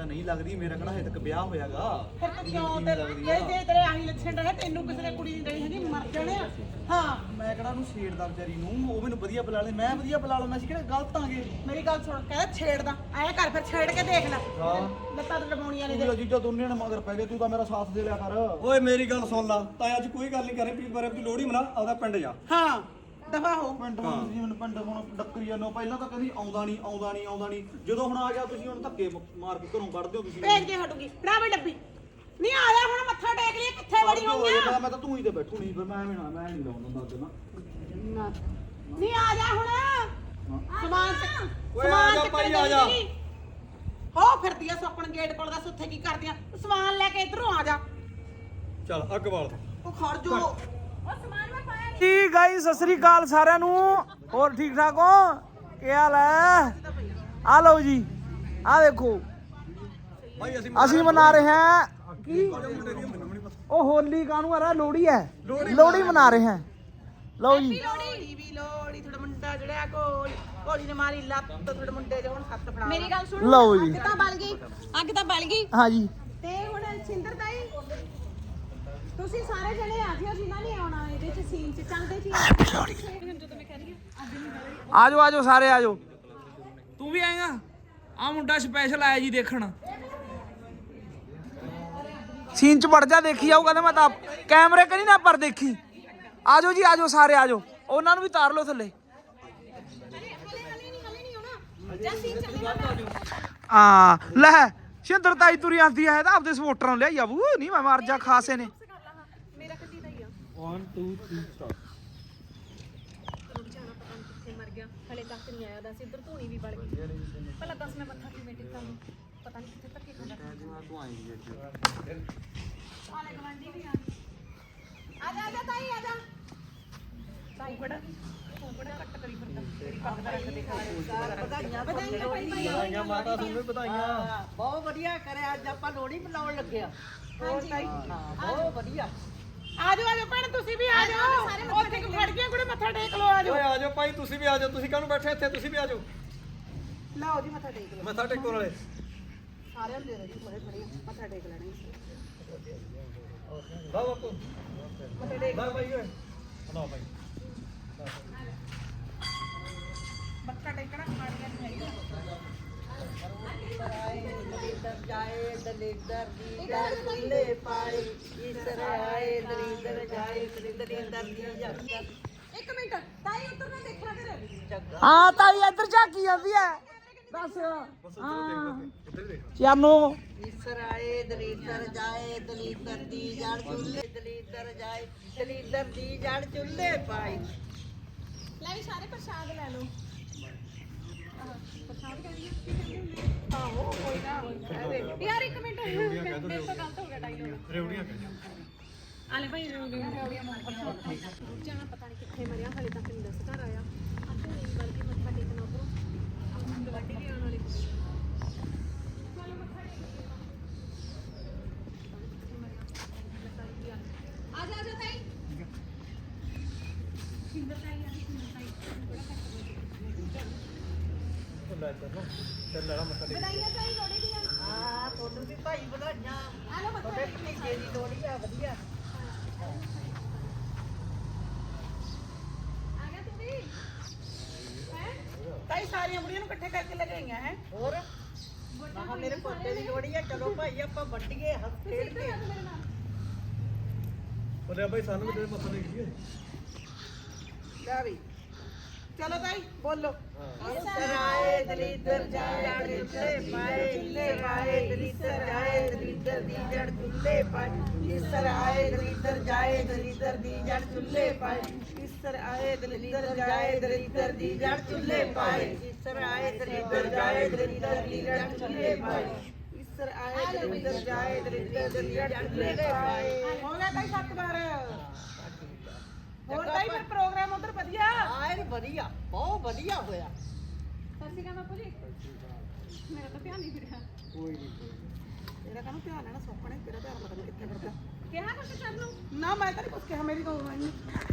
ਨਹੀਂ ਲੱਗਦੀ ਮੇਰਾ ਕਿਹੜਾ ਹਜੇ ਤੱਕ ਵਿਆਹ ਹੋਇਆਗਾ ਫਿਰ ਤੂੰ ਕਿਉਂ ਜੇ ਤੇਰੇ ਆਹੀ ਲੱਛਣ ਰਹੇ ਤੈਨੂੰ ਕਿਸੇ ਨੇ ਕੁੜੀ ਨਹੀਂ ਹੈਗੀ ਮਰ ਜਾਣੇ ਆ ਹਾਂ ਮੈਂ ਕਿਹੜਾ ਉਹਨੂੰ ਛੇੜਦਾ ਵਿਚਾਰੀ ਨੂੰ ਉਹ ਮੈਨੂੰ ਵਧੀਆ ਬੁਲਾ ਲੈ ਮੈਂ ਵਧੀਆ ਬੁਲਾ ਲਵਾਂ ਅਸੀਂ ਕਿਹੜਾ ਗਲਤ ਆਂਗੇ ਮੇਰੀ ਗੱਲ ਸੁਣ ਕਹਿੰਦਾ ਛੇੜਦਾ ਐ ਕਰ ਫਿਰ ਛੇੜ ਕੇ ਦੇਖ ਲੈ ਹਾਂ ਲੱਤਾਂ ਤੇ ਲਵਾਉਣੀਆਂ ਨੇ ਤੂੰ ਜੀਜਾ ਦੋਨੇ ਨੇ ਮਗਰ ਪੈ ਗਏ ਤੂੰ ਤਾਂ ਮੇਰਾ ਸਾਥ ਦੇ ਲਿਆ ਕਰ ਓਏ ਮੇਰੀ ਗੱਲ ਸੁਣ ਲਾ ਤਾਂ ਅੱਜ ਕੋਈ ਗੱਲ ਨਹੀਂ ਕਰੇ ਵੀ ਬਾਰੇ ਦੀ ਲੋੜੀ ਮਨਾ ਆਪਦਾ ਪਿੰਡ ਜਾ ਹਾਂ ਦਫਾ ਹੋ ਪਿੰਡ ਹੁਣ ਤੁਸੀਂ ਮੈਨੂੰ ਪਿੰਡ ਹੁਣ ਡੱਕਰੀ ਜਾਂਦੇ ਪਹਿਲਾਂ ਤਾਂ ਕਹਿੰਦੀ ਆਉਂਦਾ ਨਹੀਂ ਜਦੋਂ ਹੁਣ ਆ ਗਿਆ ਤੁਸੀਂ ਹੁਣ ਧੱਕੇ ਮਾਰ ਕੇ ਘਰੋਂ ਕੱਢਦੇ ਹੋ ਤੁਸੀਂ ਭੇਜ ਕੇ ਹਟੂਗੀ ਫੜਾ ਬਈ ਡੱਬੀ ਨਹੀਂ ਆ ਜਾ ਹੁਣ ਮੱਥਾ ਟੇਕ ਲਈ ਕਿੱਥੇ ਵੜੀ ਹੋਈ ਆ ਮੈਂ ਤਾਂ ਤੂੰ ਹੀ ਤੇ ਬੈਠੂ ਨਹੀਂ ਫਿਰ ਮੈਂ ਨਹੀਂ ਲਾਉਂਦਾ ਦੱਸ ਨਾ ਨਹੀਂ ਆ ਜਾ ਹੁਣ ਸਮਾਨ ਓਏ ਆ ਜਾ ਭਾਈ ਆ ਜਾ ਹੋ ਫਿਰਦੀ ਆ ਸੋਕਣ ਗੇਟ ਕੋਲ ਦੱਸ ਉੱਥੇ ਕੀ ਕਰਦੀਆਂ ਸਮਾਨ ਲੈ ਕੇ ਇਧਰੋਂ ਆ ਜਾ ਚੱਲ ਅੱਗ ਬਾਲ ਉਹ ਖੜ ਜੋ ਉਹ ਸਮਾਨ ਮੈਂ ਪਾਇਆ ਜੀ ਗਾਇਸ ਸਤਿ ਸ੍ਰੀ ਅਕਾਲ ਸਾਰਿਆਂ ਨੂੰ ਹੋਰ ਠੀਕ ਠਾਕ ਹੋ ਕੀ ਹਾਲ ਹੈ ਆ ਲਓ ਜੀ ਆ ਦੇਖੋ ਭਾਈ ਅਸੀਂ ਮਨਾ ਰਹੇ ਹਾਂ ਕੀ ਉਹ ਹੋਲੀ ਕਾਹਨੂੰ ਆ ਰਿਹਾ ਲੋਹੜੀ ਹੈ ਲੋਹੜੀ ਮਨਾ ਰਹੇ ਹਾਂ ਲਓ ਜੀ ਲੋੜੀ ਤੁਹਾਡਾ ਮੁੰਡਾ ਜਿਹੜਾ ਕੋਲੀ ਨੇ ਮਾਰੀ ਲੱਤ ਤੁਹਾਡੇ ਮੁੰਡੇ ਦੇ ਹੁਣ ਹੱਥ ਫੜਾ ਮੇਰੀ ਗੱਲ ਸੁਣੋ ਲਓ ਜੀ ਅੱਗ ਤਾਂ ਬਲ ਗਈ ਹਾਂ ਜੀ ਤੇ ਹੁਣ ਸਿੰਦਰ ਤਾਈ ਤੁਸੀਂ ਸਾਰੇ ਜਣੇ ਆ ਜਿਓ ਜਿਨ੍ਹਾਂ ਨੇ ਆਉਣਾ ਇਹਦੇ ਚ ਸੀਨ ਚ ਚੱਲਦੇ ਸੀ ਜਦੋਂ ਮੈਂ ਕਹਿ ਰਹੀ ਹਾਂ ਆਜੋ ਸਾਰੇ ਆਜੋ ਤੂੰ ਵੀ ਆਏਗਾ ਆ ਮੁੰਡਾ ਸਪੈਸ਼ਲ ਆਇਆ ਜੀ ਦੇਖਣ ਸੀਨ ਚ ਵੜ ਜਾ ਦੇਖੀ ਜਾਊ ਕਹਿੰਦਾ ਮੈਂ ਤਾਂ ਕੈਮਰੇ ਕਰੀ ਨਾ ਪਰ ਦੇਖੀ ਆਜੋ ਜੀ ਆਜੋ ਸਾਰੇ ਆਜੋ ਉਹਨਾਂ ਨੂੰ ਵੀ ਤਾਰ ਲਓ ਥੱਲੇ ਹਲੇ ਨਹੀਂ ਆਉਣਾ ਜਾਂ ਸੀਨ ਚੱਲੇਗਾ ਆ ਲੈ ਸ਼ਿੰਦਰ ਤਾਈ ਤੁਰੀ ਆਂਦੀ ਹੈ ਤਾਂ ਆਪਦੇ ਸਪੋਰਟਰਾਂ ਨੂੰ ਲਿਆਈ ਆਬੂ ਨਹੀਂ ਮੈਂ ਮਰ ਜਾ ਖਾਸੇ ਨੇ ਮੇਰਾ ਕੱਢੀ ਦਾ ਹੀ ਆ 1 2 3 ਸਟਾਰਟ ਰੁਕ ਜਾਣਾ ਪਤਾ ਨਹੀਂ ਕਿੱਥੇ ਮਰ ਗਿਆ ਹਲੇ ਤੱਕ ਨਹੀਂ ਆਇਆ ਦੱਸ ਇੱਧਰ ਧੂਣੀ ਵੀ ਬਲ ਗਈ ਪਹਿਲਾਂ ਦੱਸ ਮੈਂ ਮੱਥਾ ਕਿਵੇਂ ਟੇਕਾਂ ਪਤਾ ਨਹੀਂ ਕਿੱਥੇ ਧੱਕੇ ਖਾਂਦਾ ਤੂੰ ਆਏਂਗੀ ਆਲੇ ਗਵਾਂਢੀ ਵੀ ਆ ਜਾ ਤਾਈ ਆ ਜਾ ਤਾਈ ਬੜਾ ਤੂੰ ਬੜਾ ਕੱਟ ਕਰੀ ਫਿਰਦਾ ਤੇਰੀ ਪੱਗ ਦਾ ਰੰਗ ਦੇਖਾ ਵਧਾਈਆਂ ਮਾਤਾ ਤੁਹਾਨੂੰ ਵਧਾਈਆਂ ਬਹੁਤ ਵਧੀਆ ਕਰਿਆ ਅੱਜ ਆਪਾਂ ਲੋੜੀ ਮਨਾਉਣ ਲੱਗਿਆ ਹੋਰ ਤਾਈ ਬਹੁਤ ਵਧੀਆ ਆਜੋ ਭੈਣ ਤੁਸੀਂ ਵੀ ਆਜੋ ਉੱਥੇ ਕਿ ਖੜ ਗਈਆਂ ਕੁੜੇ ਮੱਥਾ ਟੇਕ ਲਓ ਆਜੋ ਓਏ ਆ ਜਾਓ ਭਾਈ ਤੁਸੀਂ ਵੀ ਆ ਜਾਓ ਤੁਸੀਂ ਕਾਹਨੂੰ ਬੈਠੇ ਇੱਥੇ ਤੁਸੀਂ ਵੀ ਆ ਜਾਓ ਲਓ ਜੀ ਮੱਥਾ ਟੇਕ ਲਓ ਮੱਥਾ ਟੇਕੋ ਨਾਲੇ ਸਾਰਿਆਂ ਨੂੰ ਦੇ ਦਿਓ ਜੀ ਥੋੜੇ ਮੱਥਾ ਟੇਕ ਲੈਣਾ ਵਾ ਬਾਪੂ ਮੱਥਾ ਟੇਕ ਵਾ ਭਾਈ ਓਏ ਨਾ ਭਾਈ ਮੱਥਾ ਟੇਕਣਾ ਖਾਣੀਆਂ ਨਹੀਂ ਹੈਗੀਆਂ ਜਾਏ ਦਲਿੱਦਰ ਦੀ ਜੜ ਖੁੱਲੇ ਪਾਏ ਈਸ਼ਰ ਆਏ ਦਲਿੱਦਰ ਜਾਏ ਦਲਿੱਦਰ ਦੀ ਜੜ ਇੱਕ ਮਿੰਟ ਤਾਈ ਉੱਧਰ ਨਾ ਦੇਖਿਆ ਕਰ ਹਾਂ ਤਾਈ ਇੱਧਰ ਝਾਕੀ ਜਾਂਦੀ ਹੈ ਦੱਸ ਹਾਂ ਚਾਨੋ ਈਸ਼ਰ ਆਏ ਦਲਿੱਦਰ ਜਾਏ ਦਲਿੱਦਰ ਦੀ ਜੜ ਚੁੱਲੇ ਦਲਿੱਦਰ ਜਾਏ ਦਲਿੱਦਰ ਦੀ ਜੜ ਚੁੱਲੇ ਪਾਏ ਲੈ ਵੀ ਸਾਰੇ ਪ੍ਰਸ਼ਾਦ ਲੈ ਲਓ ਪ੍ਰਸ਼ਾਦ ਕਹਿੰਦੀ ਆਹੋ ਕੋਈ ਨਾ ਕਹਦੇ ਯਾਰ ਇੱਕ ਮਿੰਟ ਮੇਰੇ ਤੋਂ ਗਲਤ ਹੋ ਗਿਆ ਡਾਇਲੋਗ ਰੇਵੜੀਆਂ ਆਲੇ ਭਾਈ ਜਾਣਾ ਪਤਾ ਨਹੀਂ ਕਿੱਥੇ ਮਰਿਆ ਹਲੇ ਤੱਕ ਨਹੀਂ ਦੱਸ ਘਰ ਆਇਆ ਅੱਧੇ ਨਹੀਂ ਬਲਕਿ ਮੱਥਾ ਟੇਕਣਾ ਉਪਰੋਂ ਗਵਾਂਢੀ ਵੀ ਆਉਣ ਵਾਲੀ ਚਲੋ ਮੱਥਾ ਟੇਕ ਆ ਜਾ ਤਾਈ ਸਿੰਦਰ ਤਾਈ ਆ ਸਿੰਦਰ ਤਾਈ ਬੜਾ ਲੈ ਚੱਲੋ ਚੱਲ ਲੈਣਾ ਮੱਥਾ ਟੇਕ ਵਧਾਈਆਂ ਤਾਈ ਲੋੜੀ ਦੀਆਂ ਹਾਂ ਤੁਹਾਨੂੰ ਵੀ ਭਾਈ ਵਧਾਈਆਂ ਆ ਲਓ ਮੱਥਾ ਤੁਹਾਡੇ ਭਤੀਜੇ ਦੀ ਲੋੜੀ ਆ ਵਧੀਆ ਆ ਗਿਆ ਤੂੰ ਵੀ ਹੈ ਤਾਈ ਸਾਰੀਆਂ ਬੁੜੀਆਂ ਨੂੰ ਇਕੱਠੇ ਕਰਕੇ ਲੈ ਗਈਆਂ ਹੈ ਹੋਰ ਆਹ ਮੇਰੇ ਪੋਤੇ ਦੀ ਲੋੜੀ ਆ ਚਲੋ ਭਾਈ ਆਪਾਂ ਵੱਡੀਏ ਹੱਥ ਖੇਡ ਕੇ ਮੇਰੇ ਨਾਲ ਬੋਲਿਆ ਭਾਈ ਸਾਨੂੰ ਵੀ ਤੇਰੇ ਮੱਥਾ ਟੇਕ ਜੀਏ ਲੈ ਵੀ ਚਲੋ ਤਾਈ ਬੋਲੋ ਸਰਾਏ ਦਲਿੱਦਰ ਜਾਏ ਦਲਿੱਦਰ ਪਾਏ ਦਲਿੱਦਰ ਜਾਏ ਦਲਿੱਦਰ ਦੀ ਜੜ ਚੁੱਲੇ ਪਾਏ ਇਸਰ ਆਏ ਦਲਿੱਦਰ ਜਾਏ ਦਲਿੱਦਰ ਦੀ ਜੜ ਚੁੱਲੇ ਪਾਏ ਇਸਰ ਆਏ ਦਲਿੱਦਰ ਜਾਏ ਦਲਿੱਦਰ ਦੀ ਜੜ ਚੁੱਲੇ ਪਾਏ ਇਸਰ ਆਏ ਦਲਿੱਦਰ ਜਾਏ ਦਲਿੱਦਰ ਦੀ ਜੜ ਚੁੱਲੇ ਪਾਏ ਇਸਰ ਆਏ ਦਲਿੱਦਰ ਜਾਏ ਦਲਿੱਦਰ ਦੀ ਜੜ ਚੁੱਲੇ ਪਾਏ ਹੋ ਗਿਆ ਤਾਈ 7 ਵਾਰ ਹੋਰ ਤਾਈ ਫਿਰ ਪ੍ਰੋਗਰਾਮ ਉਧਰ ਵਧੀਆ ਆਏ ਵਧੀਆ ਬਹੁਤ ਵਧੀਆ ਹੋਇਆ ਸਤਿ ਸ਼੍ਰੀ ਅਕਾਲ ਬਾਪੂ ਜੀ ਮੇਰਾ ਤਾਂ ਧਿਆਨ ਨਹੀਂ ਫਿਰਿਆ ਕੋਈ ਨਹੀਂ ਤੇਰਾ ਕਾਹਨੂੰ ਧਿਆਨ ਹੈ ਨਾ ਸੋਪਣੇ ਤੇਰਾ ਧਿਆਨ ਪਤਾ ਨਹੀਂ ਕਿੱਥੇ ਫਿਰਦਾ ਕਿਹਾ ਕੁਛ ਕਰ ਲਓ ਨਾ ਮੈਂ ਤਾਂ ਨਹੀਂ ਕੁਝ ਕਿਹਾ ਮੇਰੀ ਤੋਂ ਨਹੀਂ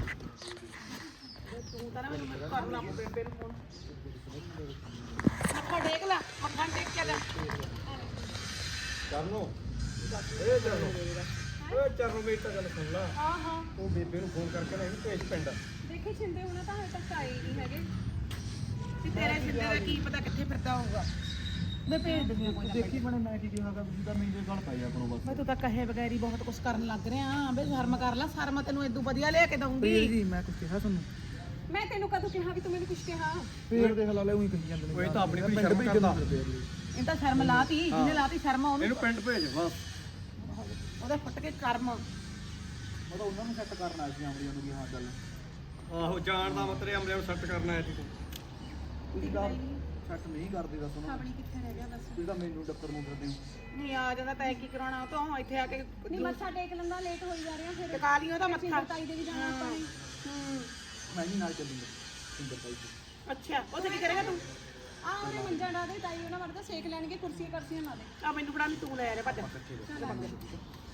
ਤੂੰ ਤਾਂ ਨਾ ਮੈਨੂੰ ਕਰਨਾ ਬੇਬੇ ਨੂੰ ਫੋਨ ਮੱਥਾ ਟੇਕ ਲੈ ਮੱਥਾ ਟੇਕ ਕੇ ਲੈ ਚਰਨੋ ਇਹ ਚਰਨੋ ਮੇਰੀ ਤਾਂ ਗੱਲ ਸੁਣ ਲਾ ਹਾਂ ਹਾਂ ਉਹ ਬੇਬੇ ਨੂੰ ਫੋਨ ਕਰਕੇ ਨਾ ਇਹਨੂੰ ਭੇਜ ਪਿੰਡ ਦੇਖੀ ਛਿੰਦੇ ਹੋਣਾ ਤਾਂ ਹਜੇ ਤੱਕ ਆਏ ਨਹੀਂ ਹੈਗੇ ਤੇ ਤੇਰੇ ਸਿੱਧੇ ਦਾ ਕੀ ਪਤਾ ਕਿੱਥੇ ਫਿਰਦਾ ਹੋਊਗਾ ਮੈਂ ਭੇਜ ਦਿੰਦੀ ਕੋਈ ਨਾ ਦੇਖੀ ਬਣੇ ਮੈਂ ਕੀ ਕਿਹਾਗਾ ਤੁਸੀਂ ਤਾਂ ਮੇਰੇ ਗੱਲ ਪਾਈ ਆਪਣੋ ਬਸ ਮੈਂ ਤੂੰ ਤਾਂ ਕਹੇ ਬਗੈਰ ਹੀ ਬਹੁਤ ਕੁਝ ਕਰਨ ਲੱਗ ਰਿਹਾ ਬੇ ਸ਼ਰਮ ਕਰ ਲੈ ਸ਼ਰਮ ਤੈਨੂੰ ਇਦੋਂ ਵਧੀਆ ਲਿਆ ਕੇ ਦਊਂਗੀ ਜੀ ਮੈਂ ਕੁਝ ਕਿਹਾ ਤੁਹਾਨੂੰ ਮੈਂ ਤੈਨੂੰ ਕਦੋਂ ਕਿਹਾ ਵੀ ਤੂੰ ਮੈਨੂੰ ਕੁਛ ਕਿਹਾ ਫੇਰ ਦੇਖ ਲਾ ਲੈ ਉਹੀ ਕਹੀ ਜਾਂਦੇ ਨੇ ਉਹ ਤਾਂ ਆਪਣੀ ਕੋਈ ਸ਼ਰਮ ਕਰਦਾ ਇਹ ਤਾਂ ਸ਼ਰਮ ਲਾਤੀ ਜਿਹਨੇ ਲਾਤੀ ਸ਼ਰਮ ਉਹਨੂੰ ਇਹਨੂੰ ਪਿੰਡ ਭੇਜ ਬਸ ਉਹਦੇ ਫੁੱਟ ਕੇ ਕਰਮ ਉਹ ਤਾਂ ਉਹਨਾਂ ਨੂੰ ਸੈੱਟ ਕਰਨ ਆਇਆ ਸੀ ਆਮੜੀਆਂ ਨੂੰ ਵੀ ਹਾਂ ਗੱਲ ਆਹੋ ਜਾਣ ਦਾ ਮਤਲਬ ਅਮਲੇ ਨੂੰ ਸੈੱਟ ਕਰਨਾ ਹੈ ਜੀ ਤੂੰ ਤੁਸੀਂ ਗੱਲ ਸੈੱਟ ਨਹੀਂ ਕਰਦੇ ਦੱਸ ਉਹਨਾਂ ਆਪਣੀ ਕਿੱਥੇ ਰਹਿ ਗਿਆ ਦੱਸ ਤੁਸੀਂ ਤਾਂ ਮੈਨੂੰ ਡੱਕਰ ਨੂੰ ਫਿਰਦੇ ਹੋ ਨਹੀਂ ਆ ਜਾਂਦਾ ਤੈਂ ਕੀ ਕਰਾਉਣਾ ਉਹ ਤੋਂ ਇੱਥੇ ਆ ਕੇ ਨਹੀਂ ਮੱਥਾ ਟੇਕ ਲੈਂਦਾ ਲੇਟ ਹੋਈ ਜਾ ਰਿਹਾ ਫਿਰ ਟਿਕਾ ਲਈ ਉਹਦਾ ਮੱਥਾ ਤਾਈ ਦੇ ਵੀ ਜਾਣਾ ਆਪਾਂ ਨੇ ਮੈਂ ਵੀ ਨਾਲ ਚੱਲੂੰਗਾ ਸਿੰਦਰ ਬਾਈ ਜੀ ਅੱਛਾ ਉੱਥੇ ਕੀ ਕਰੇਗਾ ਤੂੰ ਆ ਉਹਨੇ ਮੰਜਾ ਡਾ ਦੇ ਤਾਈ ਉਹਨਾਂ ਵਰਗਾ ਸੇਕ ਲੈਣਗੇ ਕੁਰਸੀਆਂ ਕਰਸੀਆਂ ਲਾ ਦੇ ਆ ਮੈਨੂੰ ਫੜਾ ਲਈ ਤੂੰ ਲੈ ਆ ਭੱਜ ਕੱਚੇ